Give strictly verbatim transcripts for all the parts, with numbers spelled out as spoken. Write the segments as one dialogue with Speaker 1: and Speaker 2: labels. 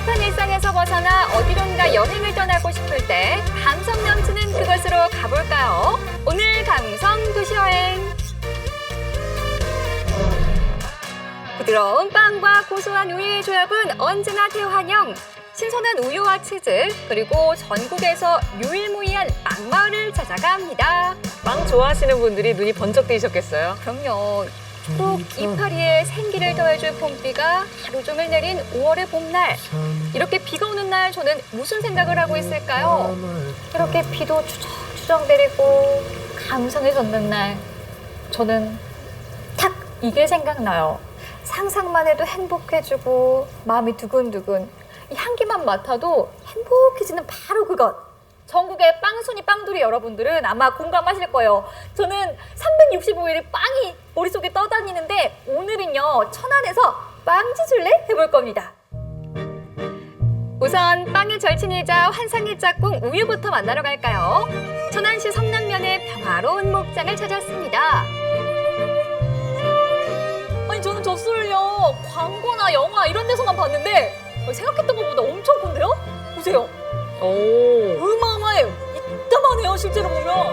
Speaker 1: 답답한 일상에서 벗어나 어디론가 여행을 떠나고 싶을 때 감성 넘치는 그곳으로 가볼까요? 오늘 감성 도시여행. 부드러운 빵과 고소한 우유의 조합은 언제나 대환영. 신선한 우유와 치즈, 그리고 전국에서 유일무이한 빵마을을 찾아갑니다.
Speaker 2: 빵 좋아하시는 분들이 눈이 번쩍 뜨이셨겠어요?
Speaker 1: 그럼요. 꼭 이파리에 생기를 더해줄 봄비가 하루 종일 내린 오월의 봄날. 이렇게 비가 오는 날 저는 무슨 생각을 하고 있을까요? 이렇게 비도 추적추적 내리고 감성에 젖는 날 저는 탁 이게 생각나요. 상상만 해도 행복해지고 마음이 두근두근. 이 향기만 맡아도 행복해지는 바로 그것. 전국의 빵순이 빵돌이 여러분들은 아마 공감하실 거예요. 저는 삼백육십오 일이 빵이 머릿속에 떠다니는데 오늘은요, 천안에서 빵지술래 해볼 겁니다. 우선 빵의 절친이자 환상의 짝꿍 우유부터 만나러 갈까요? 천안시 성남면의 평화로운 목장을 찾았습니다. 아니 저는 젖소를요, 광고나 영화 이런 데서만 봤는데 생각했던 것보다 엄청 큰데요? 보세요.
Speaker 2: 오.
Speaker 1: 어마어마해요. 이따만해요, 실제로 보면.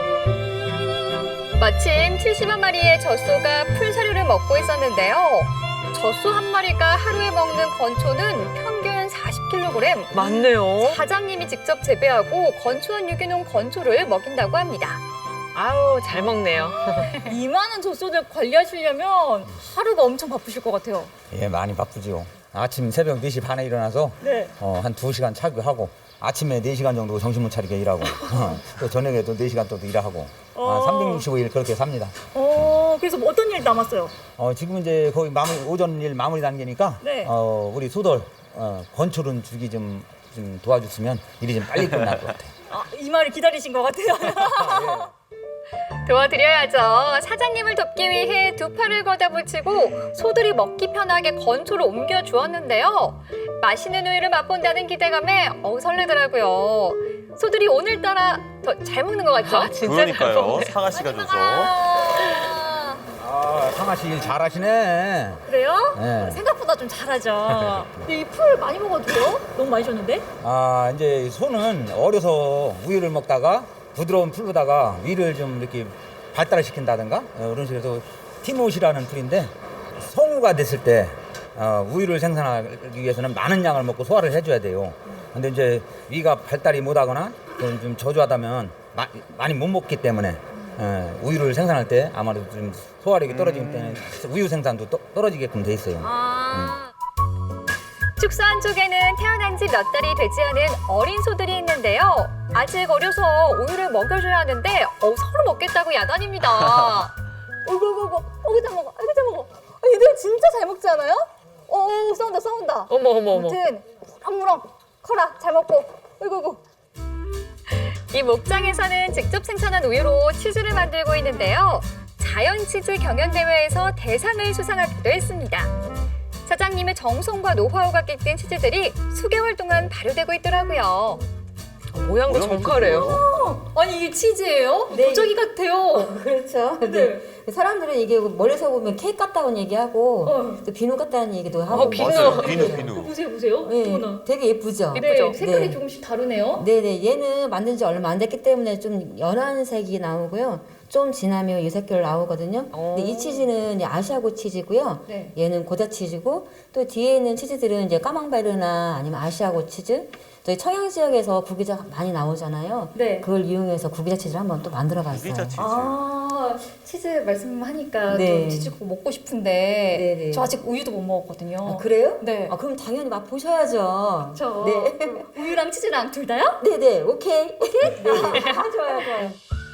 Speaker 1: 마침 칠십여 마리의 젖소가 풀사료를 먹고 있었는데요. 젖소 한 마리가 하루에 먹는 건초는 평균 사십 킬로그램.
Speaker 2: 맞네요.
Speaker 1: 사장님이 직접 재배하고 건초한 유기농 건초를 먹인다고 합니다.
Speaker 2: 아우, 잘 먹네요.
Speaker 1: 이 많은 젖소들 관리하시려면 하루가 엄청 바쁘실 것 같아요.
Speaker 3: 예, 많이 바쁘지요. 아침 새벽 네 시 반에 일어나서
Speaker 1: 네.
Speaker 3: 어, 한 두 시간 차교하고 아침에 네 시간 정도 정신 못 차리게 일하고 또 저녁에도 네 시간 또 일하고
Speaker 1: 어.
Speaker 3: 아, 삼백육십오 일 그렇게 삽니다.
Speaker 1: 어, 그래서 뭐 어떤 일 남았어요?
Speaker 3: 어, 지금 이제 거의 마무리, 오전 일 마무리 단계니까
Speaker 1: 네.
Speaker 3: 어, 우리 소돌 어, 건초른 주기 좀, 좀 도와줬으면 일이 좀 빨리 끝날 것 같아요.
Speaker 1: 아, 이 말을 기다리신 것 같아요.
Speaker 3: 예.
Speaker 1: 도와드려야죠. 사장님을 돕기 위해 두 팔을 걷어붙이고 소들이 먹기 편하게 건초를 옮겨 주었는데요. 맛있는 우유를 맛본다는 기대감에 어우 설레더라고요. 소들이 오늘따라 더 잘 먹는 것 같죠?
Speaker 2: 아, 진짜 잘
Speaker 4: 그러니까요.
Speaker 2: 먹네.
Speaker 4: 상아 씨가 줘서.
Speaker 1: 아,
Speaker 3: 아, 상아 씨 일 잘하시네.
Speaker 1: 그래요?
Speaker 3: 네.
Speaker 1: 생각보다 좀 잘하죠. 근데 이 풀 많이 먹어도 돼요? 너무 많이 줬는데?
Speaker 3: 아, 이제 소는 어려서 우유를 먹다가 부드러운 풀로다가 위를 좀 이렇게 발달을 시킨다든가 어, 그런 식으로 해서 티모시라는 풀인데 성우가 됐을 때 어, 우유를 생산하기 위해서는 많은 양을 먹고 소화를 해줘야 돼요. 근데 이제 위가 발달이 못하거나 좀, 좀 저조하다면 마, 많이 못 먹기 때문에 어, 우유를 생산할 때 아마도 좀 소화력이 떨어지기 때문에 우유 생산도 떠, 떨어지게끔 돼 있어요.
Speaker 1: 아. 축소 안쪽에는 태어난 지 몇 달이 되지 않은 어린 소들이 있는데요. 아직 어려서 우유를 먹여줘야 하는데 어, 서로 먹겠다고 야단입니다. 어이구 어이구 어이구 어이구 잘 먹어 어이구 잘 먹어. 아, 얘들 진짜 잘 먹지 않아요? 어 싸운다 싸운다.
Speaker 2: 어머, 어머, 어머.
Speaker 1: 아무튼 무럭무럭 커라 잘 먹고 어이구 어이구. 이 목장에서는 직접 생산한 우유로 치즈를 만들고 있는데요. 자연 치즈 경연 대회에서 대상을 수상하기도 했습니다. 사장님의 정성과 노하우가 깃든 치즈들이 수개월 동안 발효되고 있더라고요.
Speaker 2: 모양도
Speaker 4: 모양이
Speaker 2: 정갈해요.
Speaker 1: 아니 이게 치즈예요?
Speaker 5: 네.
Speaker 1: 도자기 같아요.
Speaker 5: 그렇죠.
Speaker 1: 네.
Speaker 5: 네. 사람들은 이게 멀리서 보면 케이크 같다고 얘기하고
Speaker 1: 어.
Speaker 5: 또 비누 같다는 얘기도 하고.
Speaker 2: 어, 비누.
Speaker 4: 맞아요. 비누, 비누.
Speaker 1: 보세요 보세요.
Speaker 5: 네,
Speaker 1: 어머나.
Speaker 5: 되게 예쁘죠.
Speaker 1: 네, 색깔이
Speaker 5: 네.
Speaker 1: 조금씩 다르네요.
Speaker 5: 네네, 얘는 만든 지 얼마 안 됐기 때문에 좀 연한 색이 나오고요. 좀 지나면 이 색깔 나오거든요. 근데 이 치즈는 이제 아시아고 치즈고요.
Speaker 1: 네.
Speaker 5: 얘는 고자 치즈고 또 뒤에 있는 치즈들은 이제 까망베르나 아니면 아시아고 치즈. 저희 청양 지역에서 구기자 많이 나오잖아요.
Speaker 1: 네.
Speaker 5: 그걸 이용해서 구기자 치즈를 한번 또 만들어봤어요.
Speaker 4: 구기자 치즈.
Speaker 1: 아 치즈 말씀하니까
Speaker 5: 네.
Speaker 1: 좀 치즈 꼭 먹고 싶은데
Speaker 5: 네네.
Speaker 1: 저 아직 우유도 못 먹었거든요.
Speaker 5: 아, 그래요?
Speaker 1: 네.
Speaker 5: 아, 그럼 당연히 맛 보셔야죠.
Speaker 1: 저
Speaker 5: 네.
Speaker 1: 우유랑 치즈랑 둘 다요?
Speaker 5: 네네, 오케이. 오케이? 네. 아, 좋아요, 좋아요.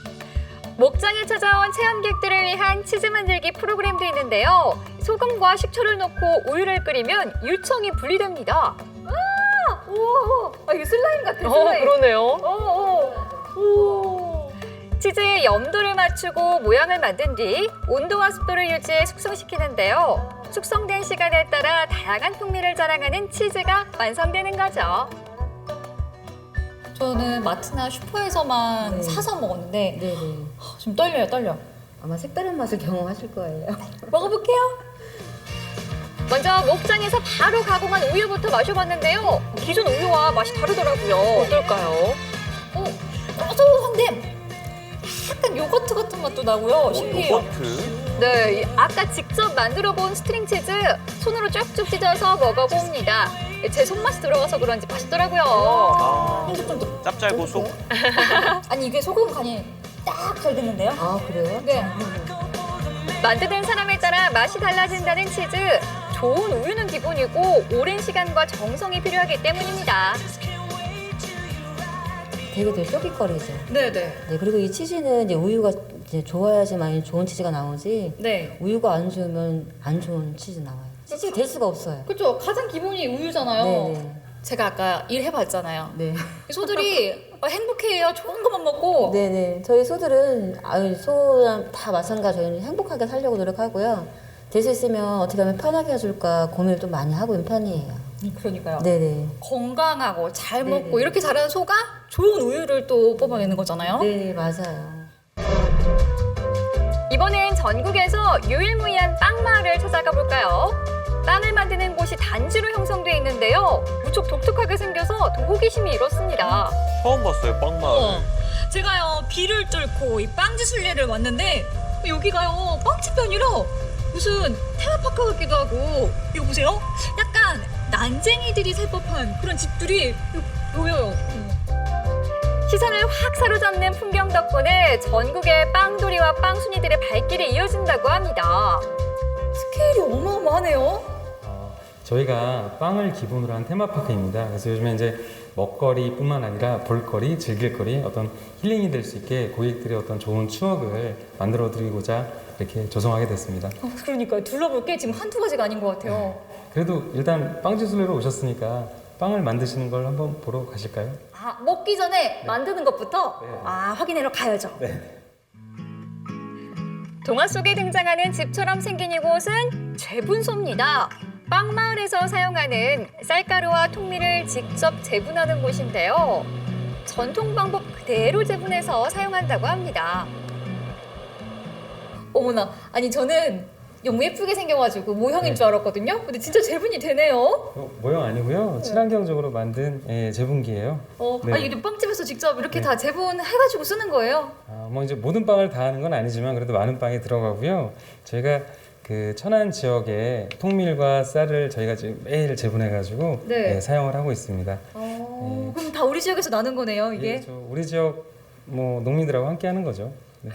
Speaker 1: 목장에 찾아온 체험객들을 위한 치즈 만들기 프로그램도 있는데요. 소금과 식초를 넣고 우유를 끓이면 유청이 분리됩니다. 아, 오, 아 이게 슬라임 같아.
Speaker 2: 어,
Speaker 1: 슬라임.
Speaker 2: 그러네요.
Speaker 1: 오, 오, 오. 치즈의 염도를 맞추고 모양을 만든 뒤 온도와 습도를 유지해 숙성시키는데요. 숙성된 시간에 따라 다양한 풍미를 자랑하는 치즈가 완성되는 거죠. 저는 마트나 슈퍼에서만
Speaker 5: 네.
Speaker 1: 사서 먹었는데
Speaker 5: 네네.
Speaker 1: 좀 떨려요, 떨려.
Speaker 5: 아마 색다른 맛을 경험하실 거예요.
Speaker 1: 먹어볼게요. 먼저 목장에서 바로 가공한 우유부터 마셔봤는데요. 기존 우유와 맛이 다르더라고요.
Speaker 2: 어떨까요?
Speaker 4: 어, 고소한데 약간 요거트 같은 맛도 나고요. 신기해요.
Speaker 6: 요거트.
Speaker 1: 네, 이 아까 직접 만들어본 스트링 치즈 손으로 쭉쭉 찢어서 먹어봅니다. 제 손맛이 들어가서 그런지 맛있더라고요.
Speaker 6: 아,
Speaker 4: 쫀득쫀득.
Speaker 6: 짭짤고소.
Speaker 4: 아니 이게 소금 간이 딱 잘 됐는데요?
Speaker 5: 아 그래요?
Speaker 4: 네.
Speaker 1: 만드는 사람에 따라 맛이 달라진다는 치즈. 좋은 우유는 기본이고 오랜 시간과 정성이 필요하기 때문입니다.
Speaker 5: 되게 되게 쫄깃거리죠.
Speaker 4: 네네.
Speaker 5: 네, 그리고 이 치즈는 이제 우유가 이제 좋아야지만 좋은 치즈가 나오지.
Speaker 4: 네.
Speaker 5: 우유가 안 좋으면 안 좋은 치즈 나와요. 치즈가 될 수가 없어요.
Speaker 4: 그렇죠. 가장 기본이 우유잖아요.
Speaker 5: 네네.
Speaker 4: 제가 아까 일해봤잖아요.
Speaker 5: 네.
Speaker 4: 이 소들이 행복해요. 좋은 것만 먹고.
Speaker 5: 네네. 저희 소들은 아유 소랑 다 마찬가지 저희는 행복하게 살려고 노력하고요. 될 수 있으면 어떻게 하면 편하게 해줄까 고민을 좀 많이 하고 있는 편이에요.
Speaker 4: 음, 그러니까요.
Speaker 5: 네네.
Speaker 4: 건강하고 잘
Speaker 5: 네네.
Speaker 4: 먹고 이렇게 자라는 소가 좋은 우유를 또 뽑아내는 거잖아요.
Speaker 5: 네 맞아요.
Speaker 1: 이번엔 전국에서 유일무이한 빵 마을을 찾아가 볼까요? 빵을 만드는 곳이 단지로 형성돼 있는데요. 무척 독특하게 생겨서 더 호기심이 일었습니다.
Speaker 6: 처음 봤어요, 빵마을.
Speaker 4: 제가요 비를 뚫고 이 빵지 순례를 왔는데 여기가요 빵집이 아니라 무슨 테마파크 같기도 하고 이거 보세요. 약간 난쟁이들이 살 법한 그런 집들이 보여요.
Speaker 1: 시선을 확 사로잡는 풍경 덕분에 전국의 빵돌이와 빵순이들의 발길이 이어진다고 합니다.
Speaker 4: 스케일이 어마어마하네요.
Speaker 7: 어, 저희가 빵을 기본으로 한 테마파크입니다. 그래서 요즘에 이제 먹거리뿐만 아니라 볼거리, 즐길거리, 어떤 힐링이 될 수 있게 고객들의 어떤 좋은 추억을 만들어 드리고자 이렇게 조성하게 됐습니다.
Speaker 4: 어, 그러니까요. 둘러볼 게 지금 한두 가지가 아닌 것 같아요.
Speaker 7: 그래도 일단 빵지술래로 오셨으니까 빵을 만드시는 걸 한번 보러 가실까요?
Speaker 4: 아 먹기 전에 만드는 것부터
Speaker 7: 네.
Speaker 4: 아 확인하러 가야죠.
Speaker 1: 동화 속에 등장하는 집처럼 생긴 이곳은 재분소입니다. 빵 마을에서 사용하는 쌀가루와 통밀을 직접 재분하는 곳인데요. 전통 방법 그대로 재분해서 사용한다고 합니다.
Speaker 4: 어머나, 아니 저는 너무 예쁘게 생겨가지고 모형인 줄 알았거든요. 근데 진짜 재분이 되네요.
Speaker 7: 어, 모형 아니고요. 친환경적으로 만든 예, 재분기예요.
Speaker 4: 어,
Speaker 7: 네.
Speaker 4: 아니 이게 빵집에서 직접 이렇게
Speaker 7: 네.
Speaker 4: 다 재분해가지고 쓰는 거예요.
Speaker 7: 아, 뭐 이제 모든 빵을 다 하는 건 아니지만 그래도 많은 빵이 들어가고요. 저희가 그 천안 지역에 통밀과 쌀을 저희가 지금 매일 재분해가지고
Speaker 4: 네.
Speaker 7: 예, 사용을 하고 있습니다.
Speaker 4: 어, 그럼 다 우리 지역에서 나는 거네요, 이게.
Speaker 7: 예, 저 우리 지역 뭐 농민들하고 함께 하는 거죠. 네.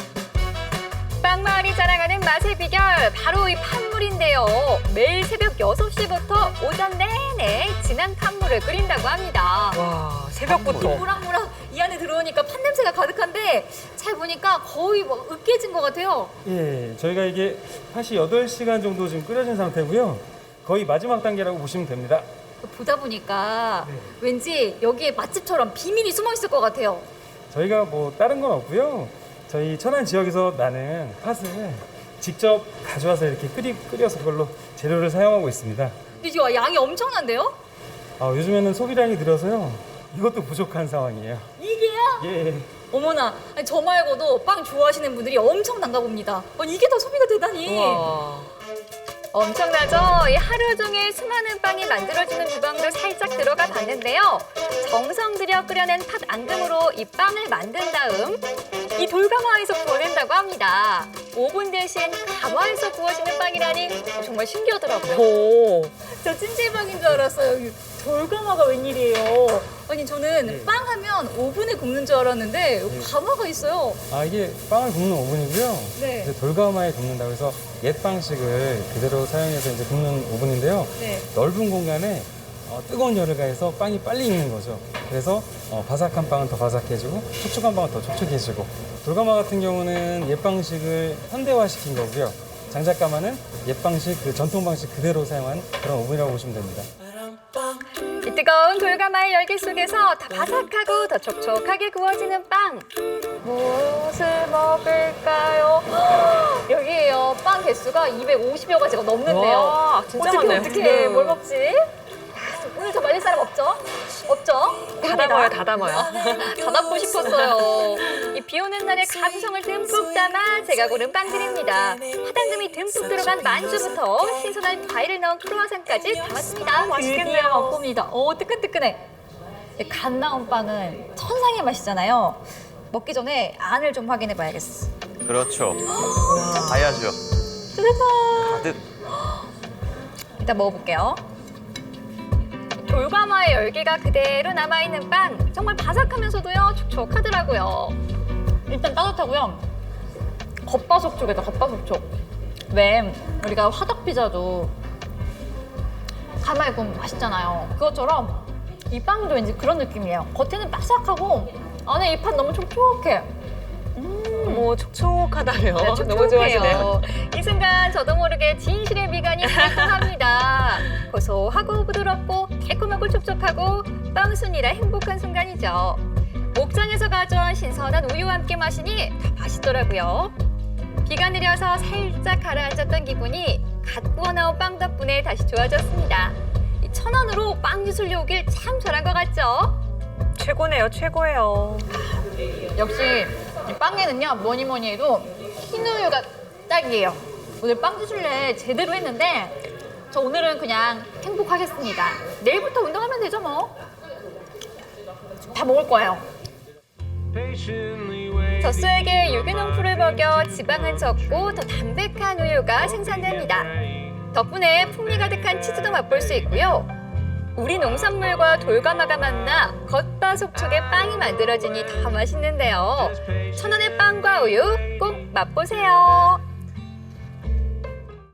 Speaker 1: 빵 마을이 자랑하는 맛의 비결 바로 이 팥물인데요. 매일 새벽 여섯 시부터 오전 내내 진한 팥물을 끓인다고 합니다.
Speaker 2: 와, 새벽부터.
Speaker 4: 모락모락 이 안에 들어오니까 팥 냄새가 가득한데 잘 보니까 거의 뭐 으깨진 것 같아요.
Speaker 7: 예, 저희가 이게 팥이 여덟 시간 정도 지금 끓여진 상태고요. 거의 마지막 단계라고 보시면 됩니다.
Speaker 4: 보다 보니까
Speaker 7: 네.
Speaker 4: 왠지 여기에 맛집처럼 비밀이 숨어 있을 것 같아요.
Speaker 7: 저희가 뭐 다른 건 없고요. 저희 천안 지역에서 나는 팥을 직접 가져와서 이렇게 끓이, 끓여서 그걸로 재료를 사용하고 있습니다.
Speaker 4: 근데 이거 양이 엄청난데요?
Speaker 7: 아, 요즘에는 소비량이 늘어서요. 이것도 부족한 상황이에요.
Speaker 4: 이게요?
Speaker 7: 예.
Speaker 4: 어머나, 아니, 저 말고도 빵 좋아하시는 분들이 엄청난가 봅니다. 아니, 이게 더 소비가 되다니.
Speaker 2: 와.
Speaker 1: 엄청나죠? 이 하루 종일 수많은 빵이 만들어지는 주방도 살짝 들어가 봤는데요. 정성 들여 끓여낸 팥 앙금으로 이 빵을 만든 다음 이 돌가마에서 구워낸다고 합니다. 오븐 대신 가마에서 구워지는 빵이라니 정말 신기하더라고요.
Speaker 2: 오.
Speaker 4: 저 찜질방인 줄 알았어요. 이 돌가마가 웬일이에요? 아니, 저는
Speaker 7: 네.
Speaker 4: 빵 하면 오븐에 굽는 줄 알았는데 가마가 있어요.
Speaker 7: 아, 이게 빵을 굽는 오븐이고요.
Speaker 4: 네.
Speaker 7: 이제 돌가마에 굽는다고 해서 옛 방식을 그대로 사용해서 이제 굽는 오븐인데요.
Speaker 4: 네.
Speaker 7: 넓은 공간에 어, 뜨거운 열을 가해서 빵이 빨리 익는 거죠. 그래서 어, 바삭한 빵은 더 바삭해지고 촉촉한 빵은 더 촉촉해지고, 돌가마 같은 경우는 옛 방식을 현대화시킨 거고요. 장작가마는 옛 방식, 그 전통 방식 그대로 사용한 그런 오븐이라고 보시면 됩니다.
Speaker 1: 이 뜨거운 돌가마의 열기 속에서 더 바삭하고 더 촉촉하게 구워지는 빵. 무엇을 먹을까요? 여기에요. 빵 개수가 이백오십여 가지가 넘는데요.
Speaker 2: 와, 진짜
Speaker 1: 어떻게
Speaker 2: 많네요.
Speaker 1: 어떻게
Speaker 2: 네.
Speaker 1: 뭘 먹지? 오늘 저 말릴 사람 없죠? 없죠?
Speaker 2: 다 담아요, 다 담아요.
Speaker 1: 다 담고 싶었어요. 이 비 오는 날의 감성을 듬뿍 담아 제가 고른 빵들입니다. 화당금이 듬뿍 들어간 만두부터 신선한 과일을 넣은 크로와상까지 담았습니다.
Speaker 4: 맛있겠네요.
Speaker 1: 드디어 먹봅니다. 오, 뜨끈뜨끈해. 이 갓 나온 빵은 천상의 맛이잖아요. 먹기 전에 안을 좀 확인해 봐야겠어.
Speaker 6: 그렇죠. 봐야죠. 가득.
Speaker 1: 일단 먹어볼게요. 돌가마의 열기가 그대로 남아있는 빵. 정말 바삭하면서도요, 촉촉하더라고요. 일단 따뜻하고요. 겉바속촉이다, 겉바속촉. 왜 우리가 화덕피자도 가마에 구우면 맛있잖아요. 그것처럼 이 빵도 왠지 그런 느낌이에요. 겉에는 바삭하고 안에 이 팥 너무 촉촉해.
Speaker 2: 뭐 촉촉하다며.
Speaker 1: 네,
Speaker 2: 너무 좋아하시네요.
Speaker 1: 이 순간 저도 모르게 진실의 미간이 활동합니다. 고소하고 부드럽고 달콤하고 촉촉하고 빵순이라 행복한 순간이죠. 목장에서 가져온 신선한 우유와 함께 마시니 다 맛있더라고요. 비가 내려서 살짝 가라앉았던 기분이 갓 구워 나온 빵 덕분에 다시 좋아졌습니다. 이 천안으로 빵 기술료 오길 참 잘한 것 같죠?
Speaker 2: 최고네요, 최고예요.
Speaker 1: 역시 이 빵에는요 뭐니 뭐니 해도 흰 우유가 딱이에요. 오늘 빵 기술래 제대로 했는데 저 오늘은 그냥 행복하겠습니다. 내일부터 운동하면 되죠 뭐. 다 먹을 거예요. 젖소에게 유기농 풀을 먹여 지방은 적고 더 담백한 우유가 생산됩니다. 덕분에 풍미 가득한 치즈도 맛볼 수 있고요. 우리 농산물과 돌가마가 만나 겉바속촉의 빵이 만들어지니 더 맛있는데요. 천원의 빵과 우유 꼭 맛보세요.